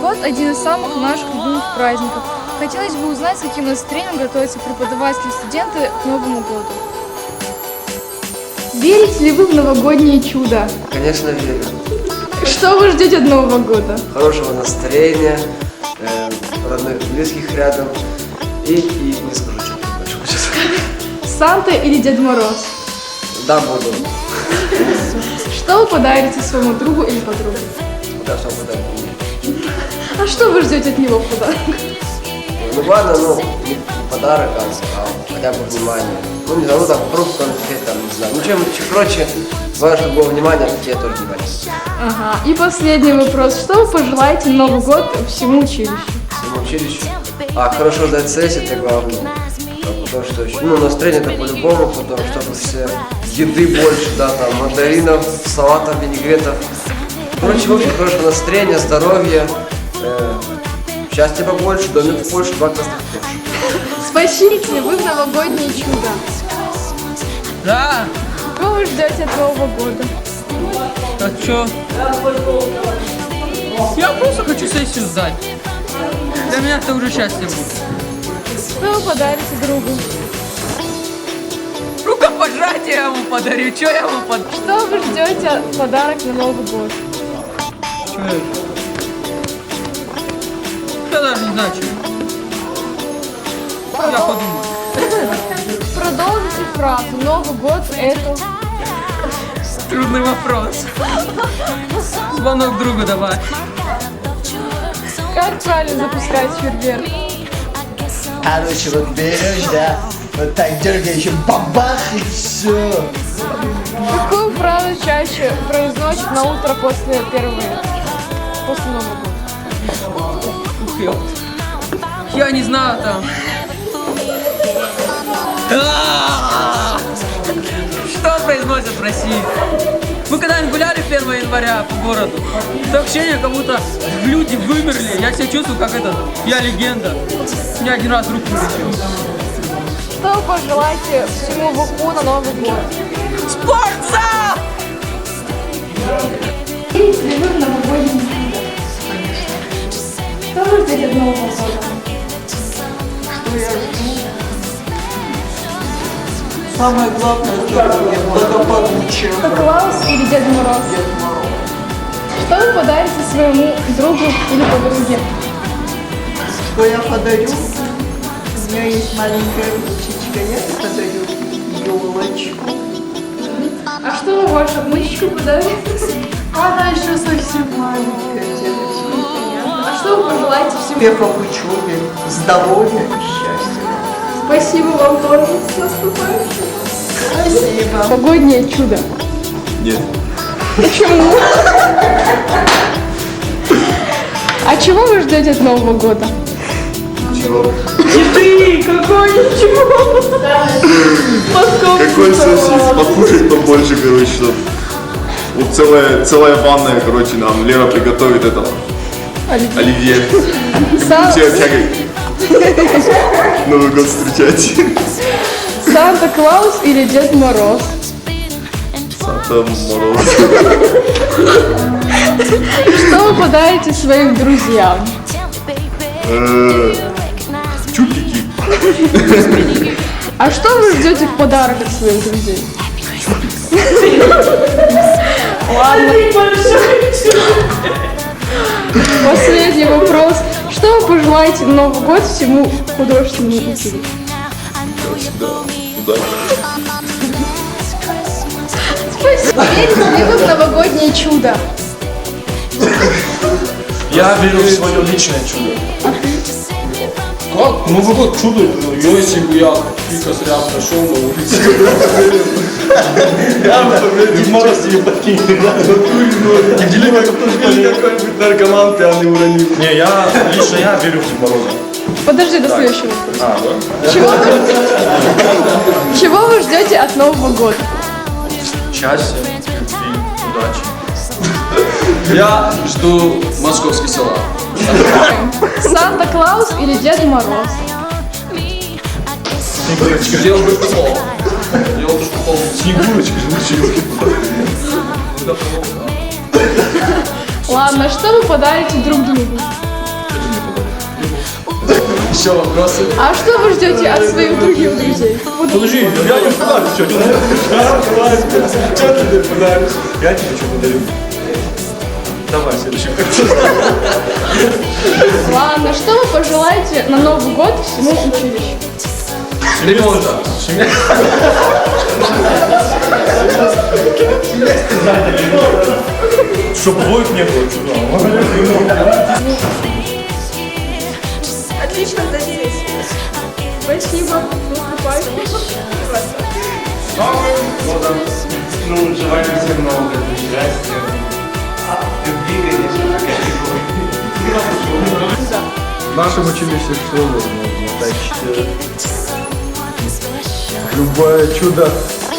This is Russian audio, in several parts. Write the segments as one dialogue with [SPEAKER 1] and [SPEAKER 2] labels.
[SPEAKER 1] год – один из самых наших любимых праздников. Хотелось бы узнать, с каким настроением готовятся преподаватели и студенты к Новому году. Верите ли вы в новогоднее чудо?
[SPEAKER 2] Конечно, верю.
[SPEAKER 1] Что вы ждете от Нового года?
[SPEAKER 2] Хорошего настроения, родных, близких рядом и не скажу, что больше хочется.
[SPEAKER 1] Санта или Дед Мороз?
[SPEAKER 2] Да, буду.
[SPEAKER 1] Что вы подарите своему другу или подруге?
[SPEAKER 2] Да, что подарок.
[SPEAKER 1] А что вы ждете от него в подарок?
[SPEAKER 2] Ну ладно, не подарок, а хотя бы внимание. Ну не знаю, там фрукт, конфет, там, не знаю. Ну чем прочее, главное, чтобы было внимание, а такие тоже внимание.
[SPEAKER 1] Ага. И последний вопрос. Что вы пожелаете на Новый год всему училищу?
[SPEAKER 2] Всему училищу. Хорошо сдать сессию, это главное. Потому что настроение это по-любому, потому чтобы все еды больше, да, там, мандаринов, салатов, винегретов. Короче, в общем, хорошего настроения, здоровья, счастья побольше, домик больше, 2 классных тоже.
[SPEAKER 1] Спасибо ли вы в новогоднее чудо?
[SPEAKER 3] Да.
[SPEAKER 1] Что вы ждете от Нового года?
[SPEAKER 3] А чё? Я просто хочу сессию сдать. Для меня это уже счастье будет.
[SPEAKER 1] Что вы подарите другу?
[SPEAKER 3] Рукопожатие я ему подарю. Чё я ему подарю?
[SPEAKER 1] Что вы ждете подарок на Новый год?
[SPEAKER 3] Чё это? Я даже не знаю, чё. Я подумаю.
[SPEAKER 1] Продолжите фразу. Новый год это...
[SPEAKER 3] Трудный вопрос. Звонок другу давай.
[SPEAKER 1] Как правильно запускать фейерверк?
[SPEAKER 4] Короче, вот берешь, да, вот так дергаешь, бабах и все.
[SPEAKER 1] Какую фразу чаще произносят на утро после Нового года?
[SPEAKER 3] Ух, я не знаю там. Что произносят в России? Мы когда-нибудь гуляли 1 января по городу? Такое ощущение, как будто люди вымерли. Я себя чувствую, как я легенда. У меня один раз руку вылетел.
[SPEAKER 1] Что вы пожелаете всему ВУКу на Новый год?
[SPEAKER 3] Спортзал!
[SPEAKER 1] Верите ли вы в новогоднее чудо? Что вы ждете от Нового года?
[SPEAKER 4] Самое главное, благополучие.
[SPEAKER 1] Клаус или Дед Мороз? Что вы подарите своему другу или подруге?
[SPEAKER 4] Что я подарю? У меня есть маленькая ручечка, я подарю елочку.
[SPEAKER 1] А что вы вашу внучечку подарите?
[SPEAKER 4] Она еще совсем маленькая девочка.
[SPEAKER 1] А что вы пожелаете всему?
[SPEAKER 4] Успехов в учебе, здоровья и счастья.
[SPEAKER 1] Спасибо вам тоже. С наступающим.
[SPEAKER 4] Спасибо.
[SPEAKER 1] Новогоднее чудо.
[SPEAKER 5] Нет.
[SPEAKER 1] Почему? А чего вы ждете от Нового года?
[SPEAKER 5] Чего?
[SPEAKER 1] Еды! Какой ничего!
[SPEAKER 5] Какой сосис? Покушать побольше, короче, чтоб. Вот целая ванная, короче, нам Лера приготовит это. Оливье. Все тягай. Новый год встречать.
[SPEAKER 1] Санта-Клаус или Дед Мороз?
[SPEAKER 5] Санта-Мороз.
[SPEAKER 1] Что вы подарите своим друзьям?
[SPEAKER 5] Чупики.
[SPEAKER 1] А что вы ждете в подарок от своих друзей? Ладно. Последний вопрос. Что вы пожелаете в Новый год всему художественному училищу?
[SPEAKER 5] Удачи.
[SPEAKER 1] Спасибо. Верите ли вы в новогоднее чудо?
[SPEAKER 6] Я верю в свое личное чудо. Как? Новый год чудо. Если бы я косарям пошел на улице. Я в Мороз тебе подкинет. Или какой-нибудь наркоман пьяный уронил. Не, лично я верю в Деда Мороза.
[SPEAKER 1] Подожди до следующего вопроса.
[SPEAKER 6] Да?
[SPEAKER 1] Чего вы ждете от Нового года?
[SPEAKER 6] Счастья, любви, удачи. Я жду московский салат.
[SPEAKER 1] Санта-Клаус или Дед Мороз?
[SPEAKER 6] Сделал бы пол. Снегурочка же
[SPEAKER 1] Ладно, что вы подарите друг другу?
[SPEAKER 4] Еще вопросы?
[SPEAKER 1] А что вы ждете от своих других друзей? Вот
[SPEAKER 6] Подожди, я не подарю, что ты Что ты подаришь? Я тебе что подарю? Давай, следующий.
[SPEAKER 1] ладно, что вы пожелаете на Новый год всему училищу?
[SPEAKER 3] Ремонта.
[SPEAKER 6] Чтобы двоек не было,
[SPEAKER 1] Отлично, надеюсь. Спасибо.
[SPEAKER 7] Новым годом! Ну, желаем всем много счастья, любви, конечно,
[SPEAKER 8] В нашем училище все возможно, так что любое чудо,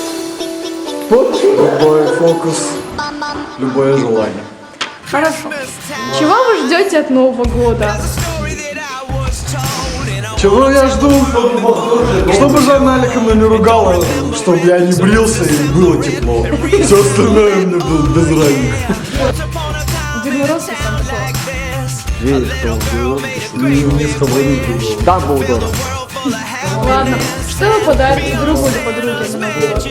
[SPEAKER 8] любой фокус, любое желание.
[SPEAKER 1] Хорошо. Чего вы ждете от Нового года?
[SPEAKER 8] Чего я жду? Чтобы жена Алика меня не ругала, чтобы я не брился и было тепло. Все остальное мне без разницы.
[SPEAKER 1] Дед Мороз и Санта-Клаус.
[SPEAKER 8] Веришь, что он делает? Не схватил другого. Да, был здорово.
[SPEAKER 1] Ладно. Что вы подарите другу или подруге на Новый год?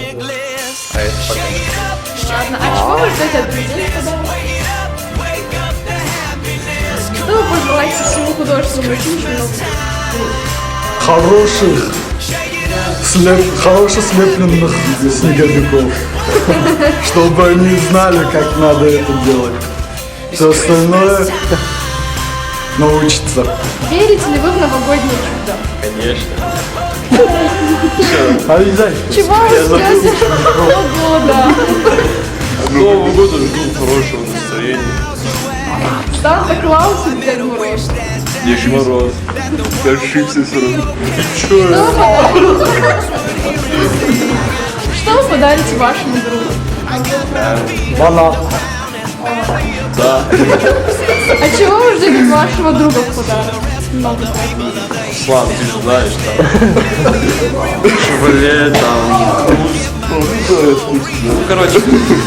[SPEAKER 1] Ладно. А чего вы ждете от друзей в подарок? Что вы пожелаете всему художественному училищу на Новый год?
[SPEAKER 8] Хороших слепленных снеговиков. Чтобы они знали, как надо это делать. Все остальное научиться.
[SPEAKER 1] Верите ли вы в новогоднее чудо?
[SPEAKER 8] Обязательно.
[SPEAKER 1] Чего вы ждете от Нового года?
[SPEAKER 6] Нового года жду хорошего настроения.
[SPEAKER 1] Санта-Клаус или Дед Мороз?
[SPEAKER 6] Дед Мороз.
[SPEAKER 5] Ты ошибся все равно.
[SPEAKER 1] Что вы подарите вашему другу?
[SPEAKER 8] Банан.
[SPEAKER 6] Да.
[SPEAKER 1] А чего вы ждете от вашего друга в подарок? Новый год.
[SPEAKER 6] Слава, ты же знаешь, там. Шевроле, там. Короче,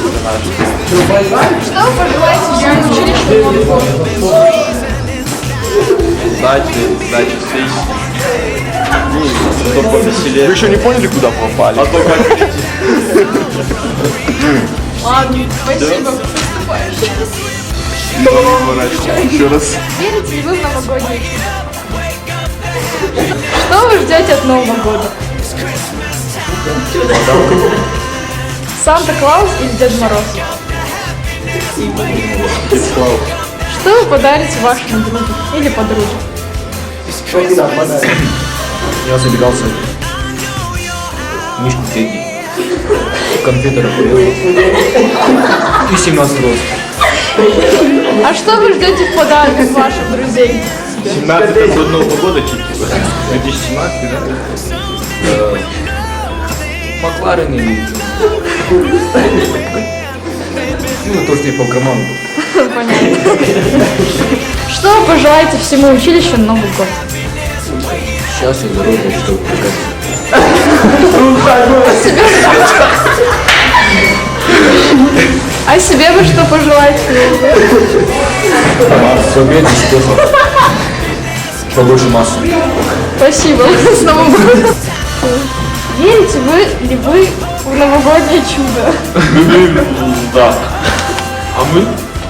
[SPEAKER 1] Что вы пожелаете всему училищу на Новый год?
[SPEAKER 6] дачи встреч. Чтобы повеселее.
[SPEAKER 5] Вы еще не поняли, куда попали?
[SPEAKER 6] А то как перейти?
[SPEAKER 1] Ладно, спасибо. Наступающий.
[SPEAKER 5] Еще раз.
[SPEAKER 1] Верите ли вы в новогоднее чудо? Что вы ждете от Нового года? Санта-Клаус или Дед Мороз? Что вы подарите вашему другу или подруге?
[SPEAKER 9] Я забегался. Мишку Тедди. Компьютера и 17 рост.
[SPEAKER 1] А что вы ждете в подарок от ваших друзей?
[SPEAKER 6] 17 это до Нового года чуть 2017, да?
[SPEAKER 9] Макларен или... Ну, то, что я по карману.
[SPEAKER 1] Понятно. Что вы пожелаете всему училищу на Новый год?
[SPEAKER 9] Счастья, здоровья, чтобы
[SPEAKER 1] А себе вы что пожелаете?
[SPEAKER 9] победы, успехов. Побольше массы.
[SPEAKER 1] Спасибо. С Новым годом. Верите ли вы в новогоднее чудо?
[SPEAKER 6] Да. А мы?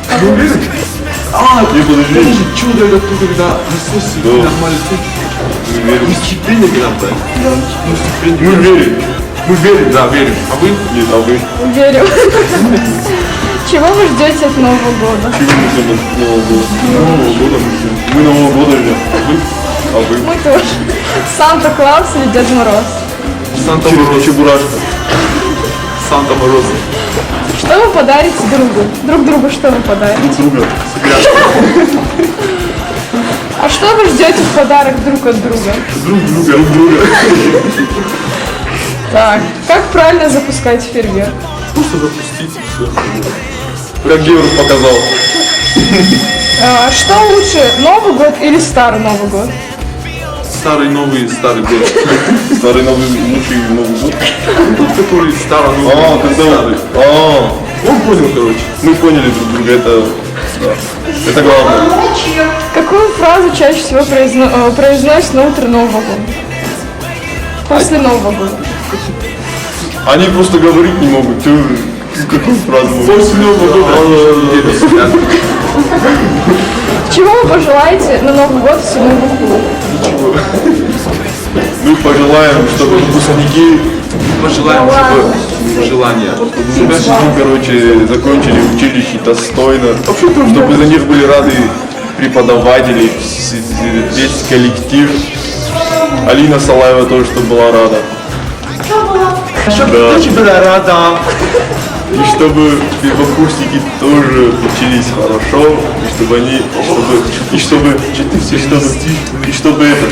[SPEAKER 6] Не подожди.
[SPEAKER 8] Чудо это то, когда Иисус нормально
[SPEAKER 6] Мы верим. Стипендия когда так? Мы верим. Мы верим, да, верим. А вы? Нет, а вы?
[SPEAKER 1] Верю. Чего вы ждете от Нового года?
[SPEAKER 6] Чего мы ждем от Нового года? Нового года мы ждем. Мы Нового года ждем. А вы?
[SPEAKER 1] Мы тоже. Санта-Клаус или Дед Мороз?
[SPEAKER 6] Санта-Мороз. Чебурашка. Санта-Мороз.
[SPEAKER 1] Что вы подарите другу? Друг другу что вы подарите?
[SPEAKER 6] Друга.
[SPEAKER 1] А что вы ждете в подарок друг от друга?
[SPEAKER 6] Друг друга.
[SPEAKER 1] Так, как правильно запускать фейерверк?
[SPEAKER 6] Просто запустить и все. Как Георг показал.
[SPEAKER 1] А, что лучше, Новый год или Старый Новый год?
[SPEAKER 6] Старый новый, старый год. Старый новый, лучший Новый год. Тот, который старый новый. Старый. Он понял, короче. Мы поняли друг друга, это главное.
[SPEAKER 1] Какой Какую фразу чаще всего произносят на утро Нового года? После Нового года.
[SPEAKER 6] Они просто говорить не могут. Ты какую фразу? После Нового года.
[SPEAKER 1] Чего вы пожелаете на Новый год всему Буху?
[SPEAKER 6] Мы пожелаем, чтобы выпускники
[SPEAKER 5] Пожелаем, чтобы желание.
[SPEAKER 6] короче, закончили училище достойно, чтобы за них были рады преподаватели, весь коллектив. Алина Салаева тоже, чтобы была рада.
[SPEAKER 4] Чтобы очень была рада.
[SPEAKER 6] И чтобы первокурсники тоже учились хорошо, и чтобы они, и чтобы это.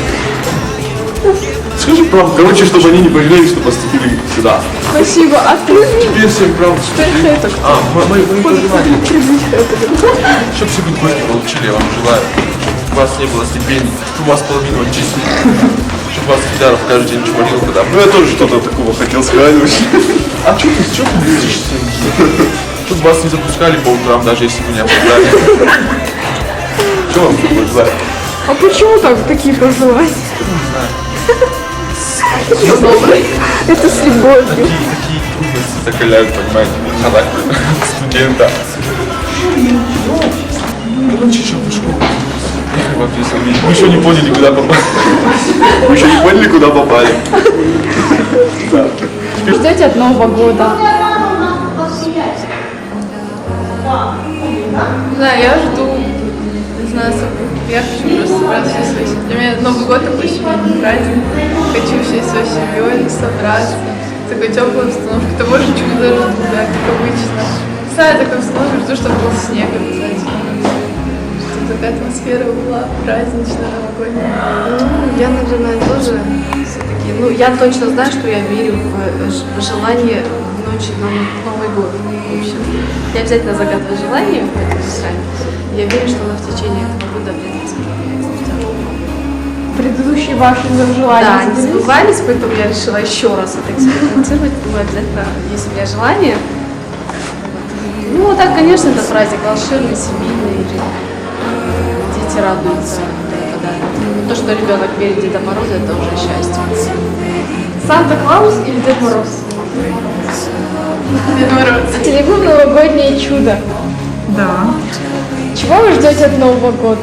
[SPEAKER 6] Скажи правду. Короче, чтобы они не пожалели, что поступили сюда.
[SPEAKER 1] Спасибо. А ты?
[SPEAKER 6] Тебе всем правду.
[SPEAKER 5] Мои пожелания. Чтобы все гости получили, я вам желаю. Чтобы у вас не было стипендий, чтобы у вас половину отчислили. Чтобы вас Фидаров каждый день чморил, когда...
[SPEAKER 6] Ну я тоже что-то такого хотел сказать вообще.
[SPEAKER 5] А что ты близишься? Чтобы вас не запускали по утрам, даже если вы не опоздали. Что вам желаю?
[SPEAKER 1] А почему так такие пожелания? Это с любовью.
[SPEAKER 5] Такие трудности закаляют, понимаете, характер студента. Мы еще не поняли, куда попали.
[SPEAKER 6] Вы еще не поняли, куда попали?
[SPEAKER 1] Ждете от Нового года?
[SPEAKER 10] Не знаю, я жду, не знаю, я хочу просто собраться всей своей семьей. Для меня Новый год такой семейный праздник. Хочу всей своей семьей собраться. Такой теплой обстановкой. Того же чудо даже жду, да, как обычно. Не знаю, такой обстановкой жду, чтобы был снег обязательно. Чтобы такая атмосфера была праздничная, новогодняя.
[SPEAKER 11] Я, наверное, тоже все-таки, я точно знаю, что я верю в желание в ночь на Новый год. В общем, я обязательно загадываю желание в этом сраме. Я верю, что оно в течение этого года обязательно сбывается.
[SPEAKER 1] Предыдущие ваши желания?
[SPEAKER 11] Да, они сбывались, поэтому я решила еще раз это экспериментировать. Думаю, обязательно есть у меня желание. Ну, так, конечно, это праздник волшебный, семейный. Дети радуются, подарки. То, что ребенок верит в Деда Мороза, это уже счастье.
[SPEAKER 1] Санта-Клаус или Дед Мороз?
[SPEAKER 10] Дед Мороз.
[SPEAKER 1] Телефон «Новогоднее чудо».
[SPEAKER 3] Да.
[SPEAKER 1] Чего вы ждете от Нового года?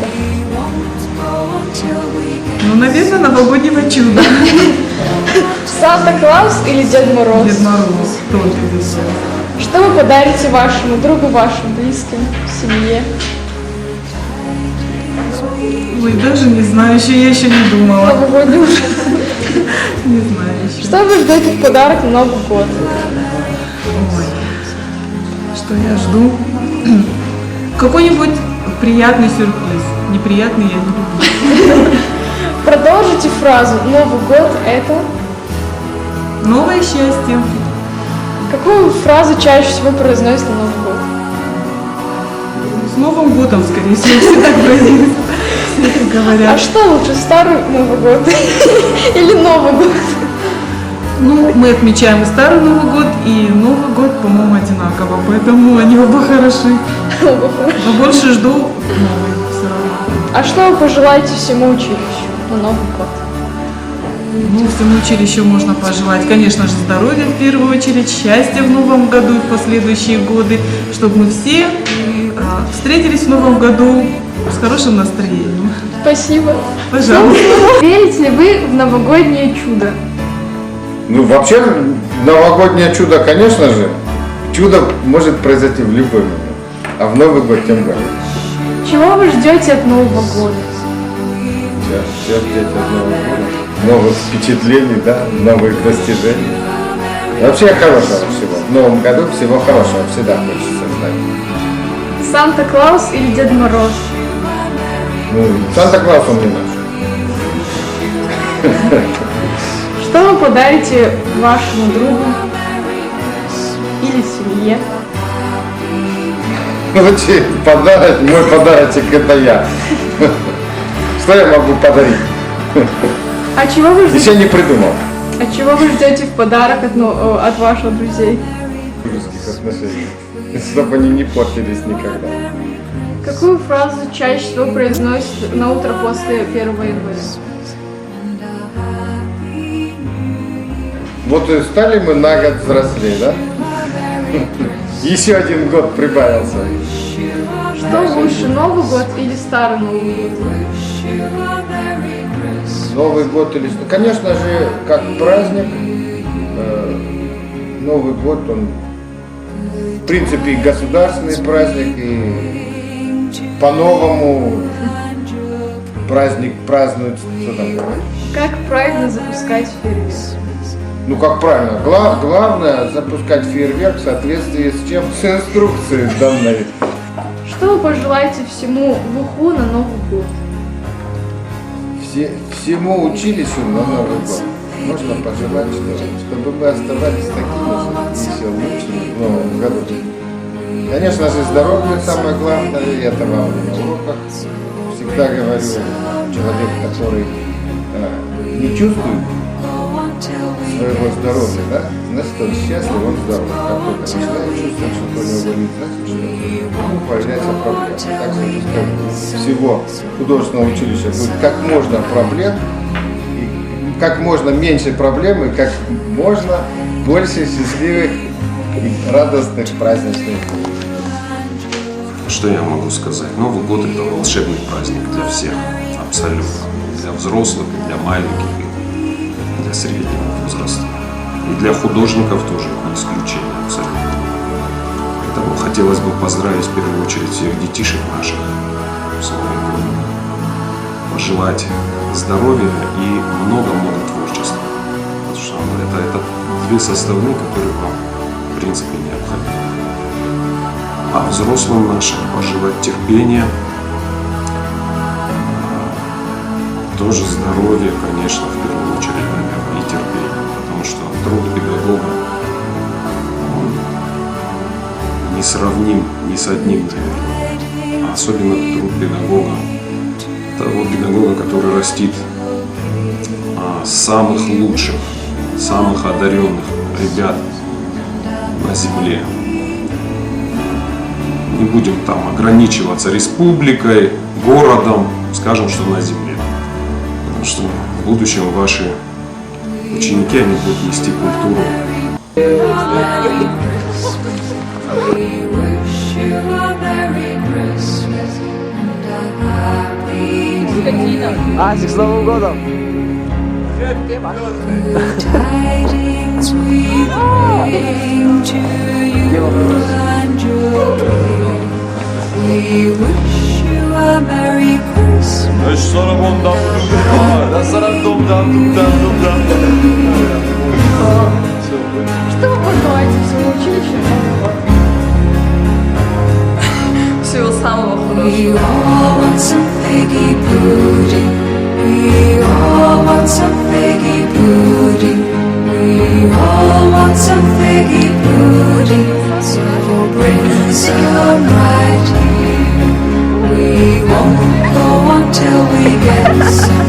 [SPEAKER 3] Ну, наверное, новогоднего чуда.
[SPEAKER 1] Санта-Клаус или Дед Мороз?
[SPEAKER 3] Дед Мороз тоже везет.
[SPEAKER 1] Что вы подарите вашему другу, вашим близким, семье?
[SPEAKER 3] Ой, даже не знаю, я еще не думала.
[SPEAKER 1] Новогодний уже.
[SPEAKER 3] Не знаю еще.
[SPEAKER 1] Что вы ждете в подарок на Новый год?
[SPEAKER 3] Ой, что я жду? Какой-нибудь приятный сюрприз. Неприятный я не люблю.
[SPEAKER 1] Продолжите фразу «Новый год – это…»
[SPEAKER 3] Новое счастье.
[SPEAKER 1] Какую фразу чаще всего произносят на Новый год?
[SPEAKER 3] С Новым годом, скорее всего, все так произносят. Все так
[SPEAKER 1] А
[SPEAKER 3] говорят.
[SPEAKER 1] что лучше, старый Новый год или Новый год?
[SPEAKER 3] Ну, мы отмечаем и Старый Новый год, и Новый год, по-моему, одинаково, поэтому они оба хороши. Но больше жду новый все равно.
[SPEAKER 1] А что вы пожелаете всему училищу на Новый год?
[SPEAKER 3] Ну, всему училищу можно пожелать, конечно же, здоровья в первую очередь, счастья в новом году и в последующие годы, чтобы мы все встретились в новом году с хорошим настроением.
[SPEAKER 1] Спасибо.
[SPEAKER 3] Пожалуйста.
[SPEAKER 1] Верите ли вы в новогоднее чудо?
[SPEAKER 12] Ну, вообще, новогоднее чудо, конечно же, чудо может произойти в любой момент, а в Новый год тем более.
[SPEAKER 1] Чего вы ждете от Нового года?
[SPEAKER 12] Сейчас ждете от Нового года. Новых впечатлений, да, новых достижений. Вообще хорошего всего. В Новом году всего хорошего всегда хочется знать.
[SPEAKER 1] Санта-Клаус или Дед Мороз?
[SPEAKER 12] Ну, Санта-Клаус он не наш.
[SPEAKER 1] Что вы подарите вашему другу или семье?
[SPEAKER 12] Лучше подарок, мой подарочек это я. Что я могу подарить?
[SPEAKER 1] А чего вы ждете?
[SPEAKER 12] Еще не придумал.
[SPEAKER 1] А чего вы ждете в подарок от ваших друзей?
[SPEAKER 12] Дружеских отношений. Чтобы они не портились никогда.
[SPEAKER 10] Какую фразу чаще всего произносит на утро после 1 января?
[SPEAKER 12] Вот и стали мы на год взрослее, да? Еще один год прибавился.
[SPEAKER 10] Что лучше, Новый год или Старый Новый год?
[SPEAKER 12] Новый год или что? Конечно же, как праздник, Новый год, он в принципе и государственный праздник, и по-новому праздник празднуют, что там.
[SPEAKER 10] Как правильно запускать фейерверк?
[SPEAKER 12] Ну как правильно, главное запускать фейерверк в соответствии с чем? С инструкцией данной.
[SPEAKER 10] Что вы пожелаете всему ВУХу на Новый год?
[SPEAKER 12] Всему училищу на Новый год можно пожелать, чтобы мы оставались такими же еще лучшими в новом году. Конечно же, здоровье самое главное, и это вам на уроках всегда говорю. Человек, который не чувствует своего здоровья, да, значит, он счастлив, он здоров. Как только начинает чувствовать, что у него болит, значит, что ему появляется проблема. Так что всего художественного училища будет как можно проблем, и как можно меньше проблем, и как можно больше счастливых и радостных праздничных.
[SPEAKER 13] Что я могу сказать? Новый год – это волшебный праздник для всех, абсолютно. Для взрослых, и для маленьких, и для среднего возраста. И для художников тоже не исключение, абсолютно. Поэтому хотелось бы поздравить в первую очередь всех детишек наших с Новым годом. Пожелать здоровья и много-много творчества. Потому что это две составные, которые вам, в принципе, необходимы. А взрослым нашим пожелать терпения, тоже здоровья, конечно, в первую очередь, наверное, и терпения, потому что труд педагога, он несравним ни с одним, наверное. А особенно труд педагога, того педагога, который растит самых лучших, самых одаренных ребят на земле. Не будем там ограничиваться республикой, городом, скажем, что на земле. Потому что в будущем ваши ученики, они будут нести культуру.
[SPEAKER 2] Асик, с Новым годом!
[SPEAKER 10] Что вы пожелаете всему училищу? Всего самого хорошего.
[SPEAKER 14] We all want some figgy pudding. We all want some figgy pudding. We all want some figgy pudding. So bring some right here. We won't go until we get some.